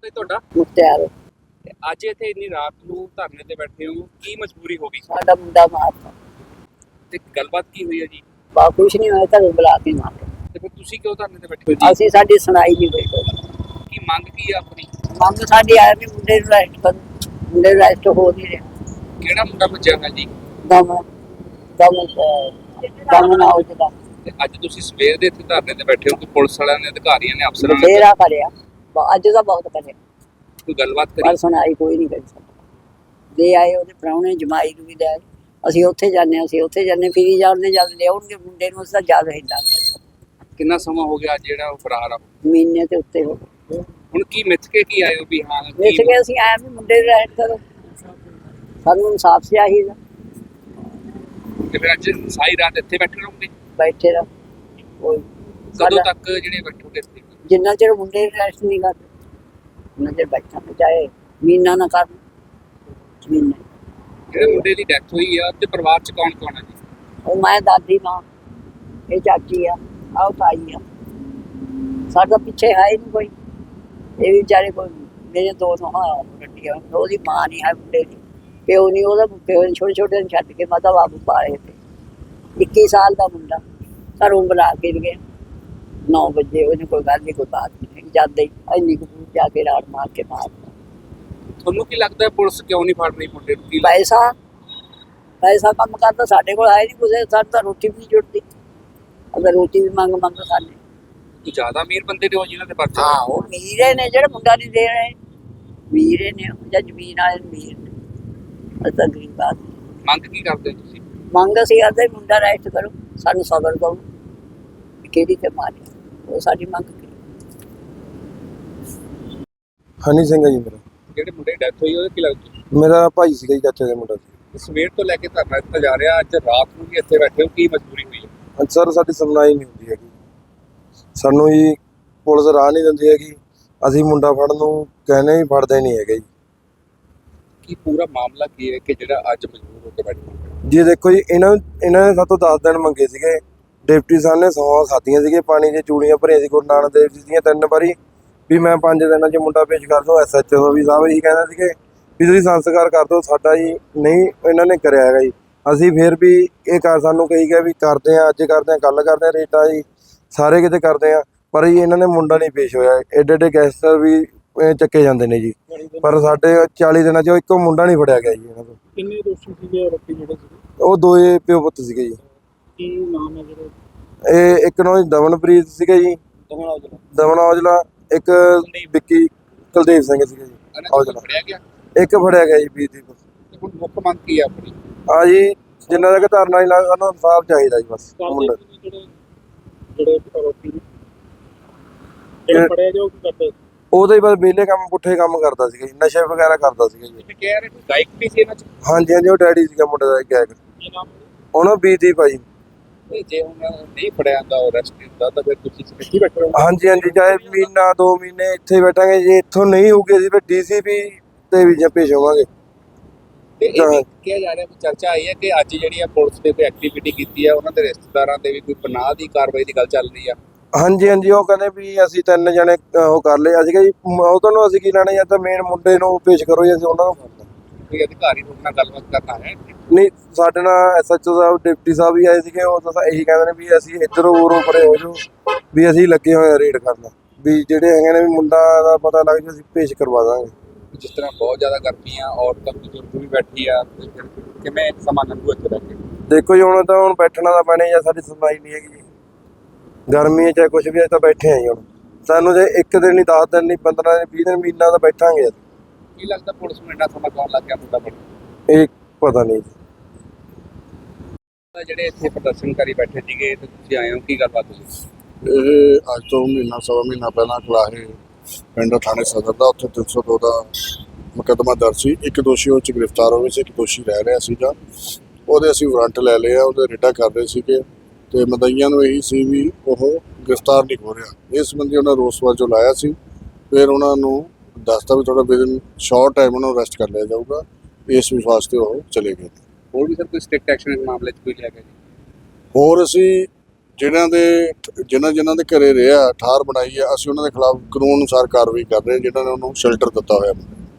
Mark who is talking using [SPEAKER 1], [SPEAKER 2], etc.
[SPEAKER 1] ਤੇ ਤੁਹਾਡਾ
[SPEAKER 2] ਮੁਖਤਿਆਰ
[SPEAKER 1] ਤੇ ਅੱਜ ਇੱਥੇ ਇੰਨੀ ਰਾਤ ਨੂੰ ਧਰਨੇ ਤੇ ਬੈਠੇ ਹੋ, ਕੀ ਮਜਬੂਰੀ ਹੋ ਗਈ
[SPEAKER 2] ਸਾਡਾ ਮੁੰਡਾ ਮਾਰਤਾ।
[SPEAKER 1] ਤੇ ਗੱਲਬਾਤ ਕੀ ਹੋਈ ਹੈ ਜੀ?
[SPEAKER 2] ਬਾ ਕੁਛ ਨਹੀਂ ਹੋਇਆ, ਤੁਹਾਨੂੰ ਬੁਲਾ ਕੇ ਮਾਰ
[SPEAKER 1] ਤੇ ਫਿਰ ਤੁਸੀਂ ਕਿਉਂ ਧਰਨੇ ਤੇ ਬੈਠੇ ਹੋ ਜੀ?
[SPEAKER 2] ਅਸੀਂ ਸਾਡੀ ਸੁਣਾਈ ਨਹੀਂ ਹੋਈ ਕੋਈ।
[SPEAKER 1] ਕੀ ਮੰਗ ਕੀ ਹੈ ਆਪਣੀ?
[SPEAKER 2] ਮੰਗ ਸਾਡੀ ਆਇਆ ਵੀ ਮੁੰਡੇ ਨੂੰ ਰੈਸਟ ਕਰ, ਮੁੰਡੇ ਨੂੰ ਰੈਸਟ ਹੋ ਨਹੀਂ ਰਿਹਾ।
[SPEAKER 1] ਕਿਹੜਾ ਮੁੰਡਾ ਭੱਜਿਆ ਹੈ ਜੀ?
[SPEAKER 2] ਦਮ ਦਮ ਦਮ ਨਾ ਹੋ ਜਦਾ
[SPEAKER 1] ਤੇ ਅੱਜ ਤੁਸੀਂ ਸਵੇਰ ਦੇ ਇੱਥੇ ਧਰਨੇ ਤੇ ਬੈਠੇ ਹੋ ਕਿ ਪੁਲਿਸ ਵਾਲਿਆਂ ਨੇ, ਅਧਿਕਾਰੀਆਂ ਨੇ, ਅਫਸਰਾਂ ਨੇ
[SPEAKER 2] ਬਥੇਰਾ ਕਰਿਆ, ਅੱਜ ਦਾ ਬਹੁਤ ਕਰਿਆ,
[SPEAKER 1] ਕੋਈ ਗੱਲਬਾਤ
[SPEAKER 2] ਪਰ
[SPEAKER 1] ਕਰੀ?
[SPEAKER 2] ਸੁਣਾਈ ਕੋਈ ਨਹੀਂ ਕਰੀ ਸਕਦਾ। ਦੇ ਆਏ ਉਹਦੇ ਪ੍ਰਾਹੁਣੇ ਜਮਾਈ ਨੂੰ ਵੀ ਲੈ ਆਏ। ਅਸੀਂ ਉੱਥੇ ਜਾਂਦੇ ਹਾਂ, ਅਸੀਂ ਉੱਥੇ ਜਾਂਦੇ, ਫਿਰੀ ਜਾਂਦੇ, ਜਦ ਲਿਆਉਣਗੇ ਮੁੰਡੇ ਨੂੰ ਅਸੀਂ ਤਾਂ ਜਦ ਹਿੰਦਾ
[SPEAKER 1] ਕਿੰਨਾ ਸਮਾਂ ਹੋ ਗਿਆ ਜਿਹੜਾ ਉਹ ਫਰਾਰ ਆ?
[SPEAKER 2] ਮਹੀਨੇ ਤੇ ਉੱਤੇ ਹੋ ਗਏ।
[SPEAKER 1] ਹੁਣ ਕੀ ਮਿੱਥ ਕੇ ਕੀ ਆਏ ਹੋ ਵੀ ਹਾਂ
[SPEAKER 2] ਵੇਖ
[SPEAKER 1] ਕੀ-
[SPEAKER 2] ਕੇ ਅਸੀਂ ਆਏ ਵੀ ਮੁੰਡੇ ਨੂੰ ਰੈਸਟ ਕਰੋ, ਸਾਨੂੰ ਇਨਸਾਫ ਚਾਹੀਦਾ।
[SPEAKER 1] ਤੇ ਫਿਰ ਅੱਜ ਸਾਰੀ ਰਾਤ ਇੱਥੇ ਬੈਠੇ ਰਹੋਗੇ?
[SPEAKER 2] ਬੈਠੇ ਰਹੋ ਕੋਈ
[SPEAKER 1] ਕਦੋਂ ਤੱਕ ਜਿਹੜੇ ਬੈਠੋਗੇ ਇੱਥੇ?
[SPEAKER 2] ਜਿੰਨਾ ਚਿਰ ਮੁੰਡੇ ਨੂੰ ਰੈਸਟ ਨਹੀਂ ਕਰਦੇ ਉਹਨਾਂ ਚਿਰ ਬੈਠਾਂਗੇ, ਚਾਹੇ ਮਹੀਨਾ ਨਾ ਕਰਨ ਮਹੀਨੇ।
[SPEAKER 1] ਜਿਹੜੇ ਮੁੰਡੇ ਦੀ ਡੈਥ ਹੋਈ ਆ ਤੇ ਪਰਿਵਾਰ ਚ ਕੌਣ ਕੌਣ ਹੈ ਜੀ?
[SPEAKER 2] ਉਹ ਮੈਂ ਦਾਦੀ ਮਾਂ, ਇਹ ਚਾਚੀ ਆ, ਆਹ ਤਾਈ ਆ, ਸਾਡਾ ਪਿੱਛੇ ਹੈ ਹੀ ਨਹੀਂ ਕੋਈ। ਇਹ ਵੀ ਵਿਚਾਰੇ ਕੋਈ ਮੇਰੇ ਦੋ ਨੋਹਾਂ ਗੱਡੀਆਂ, ਉਹਦੀ ਮਾਂ ਨਹੀਂ ਹੈ ਮੁੰਡੇ ਦੀ, ਪਿਓ ਨਹੀਂ ਉਹਦਾ, ਪਿਓ ਨੇ ਛੋਟੇ ਛੋਟੇ ਨੂੰ ਛੱਡ ਕੇ ਮਾਤਾ ਬਾਬੂ ਪਾਏ ਤੇ 21 ਸਾਲ ਦਾ ਮੁੰਡਾ ਘਰੋਂ ਬੁਲਾ ਕੇ ਗਏ 9 ਵਜੇ। ਉਹਨੇ ਕੋਈ ਗੱਲ ਨਹੀਂ, ਕੋਈ ਬਾਤ ਨਹੀਂ, ਜਾਂਦੇ ਹੀ ਇੰਨੀ ਕੁ ਦੂਰ ਜਾ ਕੇ ਰਾੜ ਮਾਰ ਕੇ ਮਾਰ।
[SPEAKER 1] ਤੁਹਾਨੂੰ ਕੀ ਲੱਗਦਾ ਹੈ ਪੁਲਿਸ ਕਿਉਂ ਨਹੀਂ ਫੜ ਰਹੀ ਮੁੰਡੇ ਨੂੰ? ਕੀ
[SPEAKER 2] ਪੈਸਾ ਪੈਸਾ ਕੰਮ ਕਰਦਾ, ਸਾਡੇ ਕੋਲ ਆਏ ਨਹੀਂ ਕੁਛ, ਸਾਡੇ ਤਾਂ ਰੋਟੀ ਵੀ ਨਹੀਂ ਜੁੜਦੀ। ਅਗਰ ਰੋਟੀ ਵੀ ਮੰਗ ਖਾਣੇ।
[SPEAKER 1] ਕੋਈ ਜ਼ਿਆਦਾ ਅਮੀਰ ਬੰਦੇ ਨੇ ਉਹ ਜਿਨ੍ਹਾਂ ਦੇ ਪਰਚੇ?
[SPEAKER 2] ਹਾਂ, ਉਹ ਮੀਰੇ ਨੇ, ਜਿਹੜੇ ਮੁੰਡਾ ਨਹੀਂ ਦੇ ਰਹੇ ਮੀਰੇ ਨੇ, ਉਹ ਜਾਂ ਜ਼ਮੀਨ ਵਾਲੇ ਮੀਰ ਨੇ, ਅਸੀਂ ਤਾਂ ਗਰੀਬ ਆਦਮੀ।
[SPEAKER 1] ਮੰਗ ਕੀ ਕਰਦੇ ਹੋ ਤੁਸੀਂ?
[SPEAKER 2] ਮੰਗ ਅਸੀਂ ਕਰਦੇ ਮੁੰਡਾ ਰੈਸਟ ਕਰੋ, ਸਾਨੂੰ ਸਬਰ ਕਰੋ, ਕਿਹੜੀ ਤੇ ਮਾਰੀ, ਉਹ ਸਾਡੀ ਮੰਗ ਕੀ।
[SPEAKER 3] ਹਨੀ ਸਿੰਘ ਹੈ ਜੀ ਮੇਰਾ।
[SPEAKER 1] ਜਿਹੜੇ ਮੁੰਡੇ ਦੀ ਡੈਥ ਹੋਈ ਉਹਦੇ ਕੀ ਲੱਗਦਾ?
[SPEAKER 3] ਮੇਰਾ ਭਾਈ ਸੀਗਾ ਜੀ, ਚਾਚੇ ਦਾ ਮੁੰਡਾ ਸੀ।
[SPEAKER 1] ਸਵੇਰ ਤੋਂ ਲੈ ਕੇ ਧਰਨਾ ਦਿੱਤਾ ਜਾ ਰਿਹਾ, ਅੱਜ ਰਾਤ ਨੂੰ ਵੀ ਇੱਥੇ ਬੈਠੇ ਹੋ, ਕੀ ਮਜਬੂਰੀ ਹੋਈ ਹੈ?
[SPEAKER 3] ਹਾਂਜੀ ਸਰ, ਸਾਡੀ ਸੁਣਵਾਈ ਨਹੀਂ ਹੁੰਦੀ ਹੈਗੀ, ਸਾਨੂੰ ਜੀ ਪੁਲਿਸ ਰਾਹ ਨਹੀਂ ਦਿੰਦੀ ਹੈਗੀ। ਅਸੀਂ ਮੁੰਡਾ ਫੜਨ ਨੂੰ ਕਹਿੰਦੇ ਵੀ ਫੜਦੇ ਨਹੀਂ ਹੈਗੇ ਜੀ।
[SPEAKER 1] ਕੀ ਪੂਰਾ ਮਾਮਲਾ ਕੀ ਹੈ ਕਿ ਜਿਹੜਾ ਅੱਜ ਮਜਬੂਰ ਹੋ ਕੇ ਬੈਠੇ ਹੋ?
[SPEAKER 3] ਜੀ ਦੇਖੋ ਜੀ, ਇਹਨਾਂ ਨੇ ਸਾਤੋਂ 10 ਦਿਨ ਮੰਗੇ ਸੀਗੇ। ਡਿਪਟੀ ਸਾਹਿਬ ਨੇ 100 ਖਾਧੀਆਂ ਸੀਗੇ, ਪਾਣੀ ਦੀਆਂ ਚੂੜੀਆਂ ਭਰੀਆਂ ਸੀ ਗੁਰੂ ਨਾਨਕ ਦੇਵ ਜੀ ਦੀਆਂ 3 ਵਾਰੀ, ਵੀ ਮੈਂ 5 ਦਿਨਾਂ 'ਚ ਮੁੰਡਾ ਪੇਸ਼ ਕਰ ਦੂੰ। SHO ਵੀ ਸਾਹਿਬ ਇਹੀ ਕਹਿੰਦੇ ਸੀਗੇ ਵੀ ਤੁਸੀਂ ਸੰਸਕਾਰ ਕਰ ਦਿਓ ਸਾਡਾ ਜੀ, ਨਹੀਂ ਇਹਨਾਂ ਨੇ ਕਰਿਆ ਹੈਗਾ ਜੀ। ਅਸੀਂ ਫਿਰ ਵੀ ਇਹ ਸਾਨੂੰ ਕਹੀ ਗਿਆ ਵੀ ਕਰਦੇ ਆ, ਅੱਜ ਕਰਦੇ ਆ, ਕੱਲ ਕਰਦੇ ਆ, ਰੇਟਾ ਜੀ ਸਾਰੇ ਕਿਤੇ ਕਰਦੇ ਆ, ਪਰ ਜੀ ਇਹਨਾਂ ਨੇ ਮੁੰਡਾ ਨਹੀਂ ਪੇਸ਼ ਹੋਇਆ। ਏਡੇ ਏਡੇ ਗੈਂਗਸਟਰ ਵੀ ਚੱਕੇ ਜਾਂਦੇ ਨੇ ਜੀ, ਪਰ ਸਾਡੇ 40 ਦਿਨਾਂ 'ਚ ਇੱਕ ਮੁੰਡਾ ਨਹੀਂ ਫੜਿਆ ਗਿਆ ਜੀ ਇਹਨਾਂ ਤੋਂ।
[SPEAKER 1] ਕਿੰਨੇ ਦੋਸ਼ੀ ਸੀਗੇ ਆਰੋਪੀ ਜਿਹੜੇ ਸੀਗੇ?
[SPEAKER 3] ਉਹ ਦੋਏ ਪਿਓ ਪੁੱਤ ਸੀਗੇ ਜੀ।
[SPEAKER 1] ਕੀ ਨਾਮ ਹੈ ਜਿਹੜੇ?
[SPEAKER 3] ਇਹ ਇੱਕ ਨੂੰ ਦਮਨਪ੍ਰੀਤ ਸੀਗਾ ਜੀ, ਦਮਨ ਔਜਲਾ, ਇੱਕ ਵਿੱਕੀ ਕੁਲਦੀਪ ਸਿੰਘ ਸੀਗਾ ਜੀ ਔਜਲਾ।
[SPEAKER 1] ਫੜਿਆ ਗਿਆ?
[SPEAKER 3] ਇੱਕ ਫੜਿਆ ਗਿਆ ਜੀ ਵੀਰਦੀਪ।
[SPEAKER 1] ਤੇ ਹੁਣ ਮੁੱਖ ਮੰਗ ਕੀ ਹੈ ਆਪਣੀ?
[SPEAKER 3] ਹਾਂ ਜੀ, ਜਿੰਨਾ ਤੱਕ ਧਰਨਾ ਨਹੀਂ ਲੱਗਦਾ ਸਾਨੂੰ ਇਨਸਾਫ ਚਾਹੀਦਾ ਜੀ ਬਸ। ਮੁੰਡਾ
[SPEAKER 1] ਜਿਹੜੇ ਆਰੋਪੀ ਨੇ ਫੜਿਆ ਜੋ ਕੀ ਕਰਦੇ?
[SPEAKER 3] ਉਹਦਾ ਹੀ ਬਸ ਵਿਹਲੇ ਕੰਮ, ਪੁੱਠੇ ਕੰਮ ਕਰਦਾ ਸੀਗਾ ਜੀ, ਨਸ਼ੇ ਵਗੈਰਾ ਕਰਦਾ ਸੀਗਾ ਜੀ।
[SPEAKER 1] ਇਹ ਕਹਿ ਰਹੇ ਗਾਇਕ ਵੀ ਸੀ ਇਹਨਾਂ ਚ?
[SPEAKER 3] ਹਾਂਜੀ ਹਾਂਜੀ, ਉਹ ਡੈਡੀ ਸੀਗਾ ਮੁੰਡੇ ਦਾ ਗੈਗ।
[SPEAKER 1] ਕੀ ਨਾਮ?
[SPEAKER 3] ਉਹਨੂੰ ਵੀਰਦੀਪ ਆ ਜੀ।
[SPEAKER 1] ਤੇ ਜੇ ਹੁਣ ਨਹੀਂ ਫੜਿਆ ਜਾਂਦਾ ਉਹ ਅਰੈਸਟ ਕੀਤਾ ਤਾਂ ਫਿਰ ਤੁਸੀਂ ਕਿੱਥੇ ਬੈਠੇ ਰਹੋ?
[SPEAKER 3] ਹਾਂਜੀ ਹਾਂਜੀ, ਚਾਹੇ ਮਹੀਨਾ 2 ਮਹੀਨੇ ਇੱਥੇ ਬੈਠਾਂਗੇ, ਜੇ ਇੱਥੋਂ ਨਹੀਂ ਹੋਊਗੀ ਅਸੀਂ ਫਿਰ DCP ਤੇ ਵੀ ਪੇਸ਼ ਹੋਵਾਂਗੇ।
[SPEAKER 1] ਤੇ ਇਹ ਵੀ ਕਿਹਾ ਜਾ ਰਿਹਾ, ਚਰਚਾ ਆਈ ਹੈ ਕਿ ਅੱਜ ਜਿਹੜੀ ਆ ਪੁਲਿਸ ਨੇ ਕੋਈ ਐਕਟੀਵਿਟੀ ਕੀਤੀ ਹੈ, ਉਹਨਾਂ ਦੇ ਰਿਸ਼ਤੇਦਾਰਾਂ ਤੇ ਵੀ ਕੋਈ ਪਨਾਹ ਦੀ ਕਾਰਵਾਈ ਦੀ ਗੱਲ ਚੱਲ ਰਹੀ ਆ।
[SPEAKER 3] ਹਾਂਜੀ ਹਾਂਜੀ, ਉਹ ਕਹਿੰਦੇ ਵੀ ਅਸੀਂ 3 ਜਣੇ ਉਹ ਕਰ ਲਏ। ਅਸੀਂ ਕਿਹਾ ਜੀ ਉਹ ਤੁਹਾਨੂੰ ਅਸੀਂ ਕੀ ਲੈਣਾ, ਜਾਂ ਤਾਂ ਮੇਨ ਮੁੰਡੇ ਨੂੰ ਪੇਸ਼ ਕਰੋ ਜਾਂ ਅਸੀਂ ਉਹਨਾਂ ਨੂੰ ਫੜਨਾ।
[SPEAKER 1] ਕੋਈ ਅਧਿਕਾਰੀ ਤੁਹਾਡੇ ਨਾਲ ਗੱਲਬਾਤ ਕਰਨਾ ਹੈ?
[SPEAKER 3] ਨਹੀਂ, ਸਾਡੇ ਨਾਲ SHO ਸਾਹਿਬ, ਡਿਪਟੀ ਸਾਹਿਬ ਵੀ ਆਏ ਸੀਗੇ। ਉਹ ਤਾਂ ਇਹੀ ਕਹਿੰਦੇ ਨੇ ਵੀ ਅਸੀਂ ਇੱਧਰੋਂ ਉਰੋਂ ਪਰੇ ਹੋ ਜਾਓ, ਵੀ ਅਸੀਂ ਲੱਗੇ ਹੋਏ ਆ ਰੇਡ ਕਰਨ, ਵੀ ਜਿਹੜੇ ਹੈਗੇ ਨੇ ਵੀ ਮੁੰਡਾ ਦਾ ਪਤਾ ਲੱਗ ਜਾਊ ਅਸੀਂ ਪੇਸ਼ ਕਰਵਾ ਦਾਂਗੇ।
[SPEAKER 1] ਜਿਸ ਤਰ੍ਹਾਂ ਬਹੁਤ ਜ਼ਿਆਦਾ ਗਰਮੀ ਆ, ਔਰਤਾਂ ਬਜ਼ੁਰਗ ਵੀ ਬੈਠੀ ਆ, ਤੇ ਫਿਰ ਕਿਵੇਂ ਸਮਾਂ ਲੰਘੂ ਇੱਥੇ ਬੈਠ ਕੇ?
[SPEAKER 3] ਦੇਖੋ ਜੀ, ਹੁਣ ਤਾਂ ਬੈਠਣਾ ਤਾਂ ਪੈਣਾ ਜਾਂ ਸਾਡੀ ਸੁਣਵਾਈ ਨਹੀਂ ਹੈਗੀ ਜੀ। ਗਰਮੀ ਹੈ ਚਾਹੇ ਕੁਛ ਵੀ, ਅਸੀਂ ਤਾਂ ਬੈਠੇ ਆ ਜੀ। ਹੁਣ ਸਾਨੂੰ ਜੇ 1 ਦਿਨ ਨਹੀਂ, 10 ਦਿਨ ਨਹੀਂ, 15 ਦਿਨ, 20 ਦਿਨ, ਮਹੀਨਾ ਤਾਂ ਬੈਠਾਂਗੇ।
[SPEAKER 1] ਕੀ ਲੱਗਦਾ ਪੁਲਿਸ ਨੂੰ ਇੰਨਾ ਸਮਾਂ ਕੌਣ ਲੱਗ ਗਿਆ ਮੁੰਡਾ ਫੜਨ?
[SPEAKER 3] ਇਹ ਪਤਾ ਨਹੀਂ ਜੀ।
[SPEAKER 1] ਜਿਹੜੇ ਇੱਥੇ ਪ੍ਰਦਰਸ਼ਨਕਾਰੀ ਬੈਠੇ ਸੀਗੇ ਤੇ ਤੁਸੀਂ ਆਏ ਹੋ, ਕੀ ਗੱਲਬਾਤ ਹੋਈ?
[SPEAKER 4] ਇਹ ਅੱਜ ਤੋਂ ਮਹੀਨਾ ਸਵਾ ਮਹੀਨਾ ਪਹਿਲਾਂ ਕਲਾਹੇ ਪਿੰਡ ਥਾਣੇ ਸਦਰ ਦਾ ਉੱਥੇ 302 ਦਾ ਮੁਕੱਦਮਾ ਦਰਜ ਸੀ। ਇੱਕ ਦੋਸ਼ੀ ਉਹ 'ਚ ਗ੍ਰਿਫਤਾਰ ਹੋ ਗਏ ਸੀ, ਇੱਕ ਦੋਸ਼ੀ ਰਹਿ ਰਿਹਾ ਸੀਗਾ। ਉਹਦੇ ਅਸੀਂ ਵਾਰੰਟ ਲੈ ਲਿਆ, ਉਹਦੇ ਰੇਡਾ ਕਰ ਰਹੇ ਸੀਗੇ ਤੇ ਮਦਈਆਂ ਨੂੰ ਇਹੀ ਸੀ ਵੀ ਉਹ ਗ੍ਰਿਫਤਾਰ ਨਹੀਂ ਹੋ ਰਿਹਾ। ਇਸ ਸੰਬੰਧੀ ਉਹਨਾਂ ਰੋਸ ਵਜੋਂ ਲਾਇਆ ਸੀ। ਫਿਰ ਉਹਨਾਂ ਨੂੰ ਦੱਸਤਾ ਵੀ ਥੋੜਾ ਵਿਦਨ ਸ਼ਾਰਟ ਟਾਈਮ ਉਹਨੂੰ ਅਰੈਸਟ ਕਰ ਲਿਆ ਜਾਊਗਾ। ਇਸ ਵਿਸ਼ਵਾਸ ਤੇ ਉਹ ਚਲੇ ਗਏ।
[SPEAKER 1] ਹੋਰ ਵੀ ਸਰ ਕੋਈ ਸਟ੍ਰਿਕਟ ਐਕਸ਼ਨ ਇਸ ਮਾਮਲੇ 'ਚ ਕੋਈ ਲਿਆ ਗਿਆ ਜੀ?
[SPEAKER 4] ਹੋਰ ਅਸੀਂ ਜਿਨ੍ਹਾਂ ਦੇ ਘਰੇ ਰਿਹਾ ਠਾਰ ਬਣਾਈ ਹੈ, ਅਸੀਂ ਉਹਨਾਂ ਦੇ ਖਿਲਾਫ ਕਾਨੂੰਨ ਅਨੁਸਾਰ ਕਾਰਵਾਈ ਕਰ ਰਹੇ ਹਾਂ, ਜਿਨ੍ਹਾਂ ਨੇ ਉਹਨੂੰ ਸ਼ੈਲਟਰ ਦਿੱਤਾ ਹੋਇਆ।